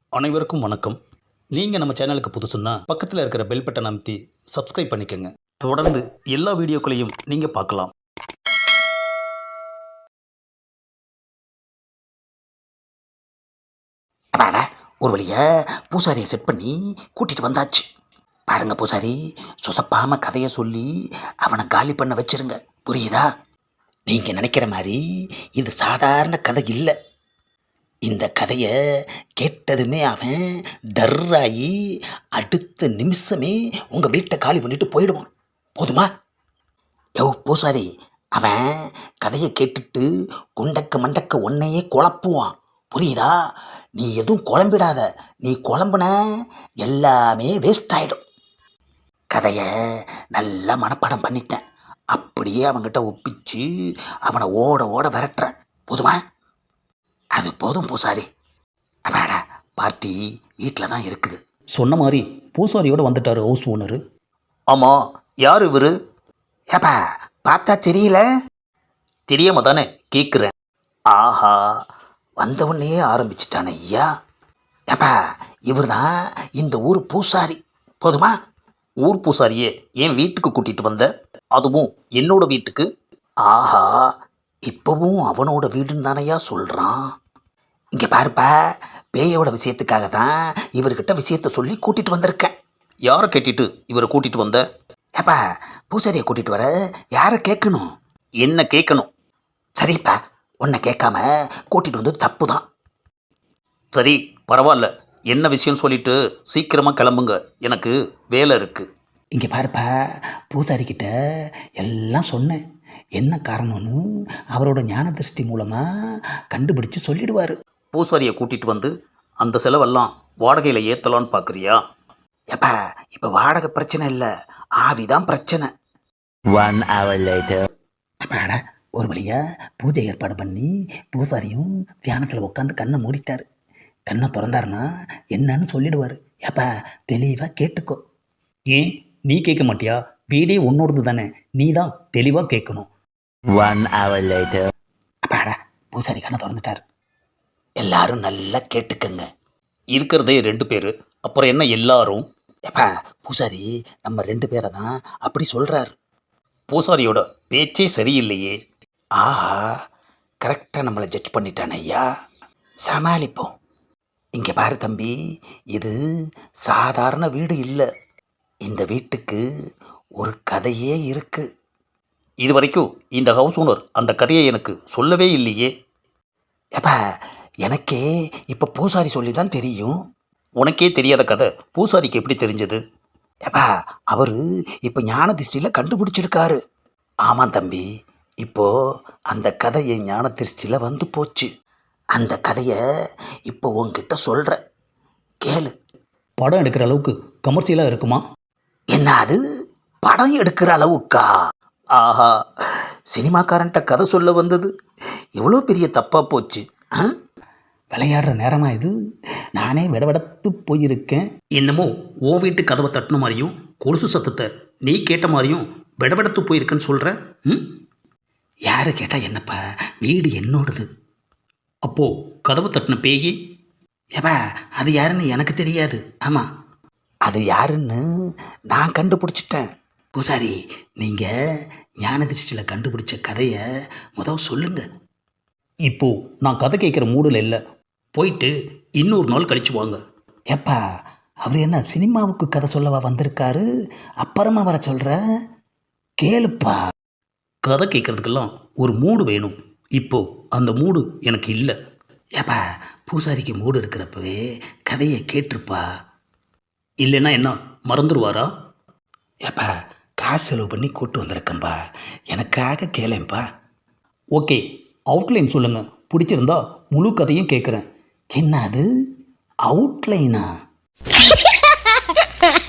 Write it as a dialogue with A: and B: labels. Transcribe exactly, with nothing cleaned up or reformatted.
A: அனைவருக்கும் வணக்கம். நீங்கள் நம்ம சேனலுக்கு புதுசுன்னா பக்கத்தில் இருக்கிற பெல் பட்டன் அமைத்தி சப்ஸ்கிரைப் பண்ணிக்கோங்க. தொடர்ந்து எல்லா வீடியோக்களையும் நீங்கள் பார்க்கலாம்.
B: அப்பாடா, ஒரு வழியா பூசாரியை செட் பண்ணி கூட்டிகிட்டு வந்தாச்சு. பாருங்க பூசாரி, சொதப்பாமல் கதையை சொல்லி அவனை காலி பண்ண வச்சிருங்க, புரியுதா? நீங்கள் நினைக்கிற மாதிரி இது சாதாரண கதை இல்லை. இந்த கதையை கேட்டதுமே அவன் டர்ராகி அடுத்த நிமிஷமே உங்கள் வீட்டை காலி பண்ணிட்டு போயிடுவான். போதுமா? யோ பூசாரி, அவன் கதையை கேட்டுட்டு குண்டக்க மண்டக்க ஒன்னையே குழப்புவான், புரியுதா? நீ எதுவும் குழம்பிடாத. நீ குழம்புன எல்லாமே வேஸ்ட் ஆகிடும். கதையை நல்லா மனப்பாடம் பண்ணிட்டேன். அப்படியே அவன்கிட்ட ஒப்பிச்சு அவனை ஓட ஓட விரட்டுறேன். போதுமா? அது போதும் பூசாரி. அப்பாடா, பார்ட்டி வீட்டில் தான் இருக்குது.
A: சொன்ன மாதிரி பூசாரியோடு வந்துட்டார் ஹவுஸ் ஓனரு. ஆமாம், யார் இவர்?
B: ஏப்பா, பார்த்தா தெரியல?
A: தெரியாம தானே கேட்குறேன்.
B: ஆஹா, வந்தவுடனே ஆரம்பிச்சிட்டானே ஐயா. ஏப்பா, இவர் தான் இந்த ஊர் பூசாரி. போதுமா?
A: ஊர் பூசாரியே என் வீட்டுக்கு கூட்டிகிட்டு வந்த, அதுவும் என்னோட வீட்டுக்கு.
B: ஆஹா, இப்போவும் அவனோட வீடுன்னு தானையா சொல்கிறான். இங்கே பாருப்பா, பேயோட விஷயத்துக்காக தான் இவர்கிட்ட விஷயத்த சொல்லி கூட்டிகிட்டு வந்திருக்கேன்.
A: யாரை கேட்டுட்டு இவரை கூட்டிகிட்டு வந்த?
B: ஏப்பா, பூசாரியை கூட்டிகிட்டு வர யாரை கேட்கணும்?
A: என்ன கேட்கணும்?
B: சரிப்பா, உன்னை கேட்காம கூட்டிகிட்டு வந்தது தப்பு தான்.
A: சரி, பரவாயில்ல. என்ன விஷயம் சொல்லிட்டு சீக்கிரமாக கிளம்புங்க, எனக்கு வேலை இருக்குது.
B: இங்கே பாருப்பா, பூசாரிக்கிட்ட எல்லாம் சொன்னேன். என்ன காரணம்னு அவரோட ஞான திருஷ்டி மூலமாக கண்டுபிடிச்சு சொல்லிடுவார்.
A: பூசாரியை கூட்டிகிட்டு வந்து அந்த செலவெல்லாம் வாடகையில் ஏற்றலான்னு பார்க்குறியா?
B: ஏப்பா, இப்போ வாடகை பிரச்சனை இல்லை, ஆவிதான் பிரச்சனை.
C: One hour later.
B: அப்பாடா, ஒரு வழியாக பூஜை ஏற்பாடு பண்ணி பூசாரியும் தியானத்தில் உட்காந்து கண்ணை மூடிட்டார். கண்ணை திறந்தாருன்னா என்னன்னு சொல்லிடுவார். ஏப்பா, தெளிவாக கேட்டுக்கோ.
A: ஏன் நீ கேட்க மாட்டியா? வீடே உன்னோடது தானே, நீ தான் தெளிவாக கேட்கணும்.
C: One hour later.
B: அப்பாடா, பூசாரி கண்ணை திறந்துட்டார். எல்லாரும் நல்லா கேட்டுக்கங்க.
A: இருக்கிறதே ரெண்டு பேர், அப்புறம் என்ன எல்லாரும்?
B: ஏப்பா, பூசாரி நம்ம ரெண்டு பேரை தான் அப்படி சொல்கிறாரு.
A: பூசாரியோட பேச்சே சரியில்லையே.
B: ஆஹா, கரெக்டாக நம்மளை ஜட்ஜ் பண்ணிட்டானே ஐயா. சமாளிப்போம். இங்கே பாரு தம்பி, இது சாதாரண வீடு இல்லை. இந்த வீட்டுக்கு ஒரு கதையே இருக்கு.
A: இது வரைக்கும் இந்த ஹவுஸ் ஓனர் அந்த கதையை எனக்கு சொல்லவே இல்லையே.
B: ஏப்பா, எனக்கே இப்போ பூசாரி சொல்லி தான் தெரியும்.
A: உனக்கே தெரியாத கதை பூசாரிக்கு எப்படி தெரிஞ்சது?
B: ஏப்பா, அவர் இப்போ ஞான திருஷ்டியில் கண்டுபிடிச்சிருக்காரு. ஆமாம் தம்பி, இப்போ அந்த கதை என் ஞான திருஷ்டியில் வந்து போச்சு. அந்த கதையை இப்போ உன்கிட்ட சொல்கிறேன், கேளு.
A: படம் எடுக்கிற அளவுக்கு கமர்ஷியலாக இருக்குமா?
B: என்ன அது, படம் எடுக்கிற அளவுக்கா?
A: ஆஹா,
B: சினிமாக்காரன்ட்ட கதை சொல்ல வந்தது எவ்வளோ பெரிய தப்பாக போச்சு. ஆ, விளையாடுற நேரமாக இது. நானே விடவிடத்து போயிருக்கேன்.
A: என்னமோ ஓ வீட்டு கதவை தட்டின மாதிரியும் கொலுசு சத்தத்தை நீ கேட்ட மாதிரியும் விடவிடத்து போயிருக்குன்னு சொல்கிற. ம்,
B: யார் கேட்டால் என்னப்பா, வீடு என்னோடது.
A: அப்போது கதவை தட்டின பேயி?
B: ஏப்பா, அது யாருன்னு எனக்கு தெரியாது. ஆமாம், அது யாருன்னு நான் கண்டுபிடிச்சிட்டேன். பூசாரி, நீங்கள் ஞான திருஷ்டியில் கண்டுபிடிச்ச கதையை முதல் சொல்லுங்க.
A: இப்போது நான் கதை கேட்குற மூடில் இல்லை, போயிட்டு இன்னொரு நாள் கழிச்சு வாங்க.
B: ஏப்பா, அவர் என்ன சினிமாவுக்கு கதை சொல்லவா வந்திருக்காரு? அப்புறமா வர சொல்கிற, கேளுப்பா.
A: கதை கேட்குறதுக்கெல்லாம் ஒரு மூடு வேணும். இப்போது அந்த மூடு எனக்கு இல்லை.
B: ஏப்பா, பூசாரிக்கு மூடு இருக்கிறப்பவே கதையை கேட்டிருப்பா.
A: இல்லைன்னா என்ன மறந்துடுவாரா?
B: ஏப்பா, காசு செலவு பண்ணி கூட்டு வந்திருக்கேன்பா, எனக்காக கேளேன்ப்பா.
A: ஓகே, அவுட்லைன் சொல்லுங்கள், பிடிச்சிருந்தா முழு கதையும் கேட்குறேன்.
B: என்ன அது, அவுட்லைனா?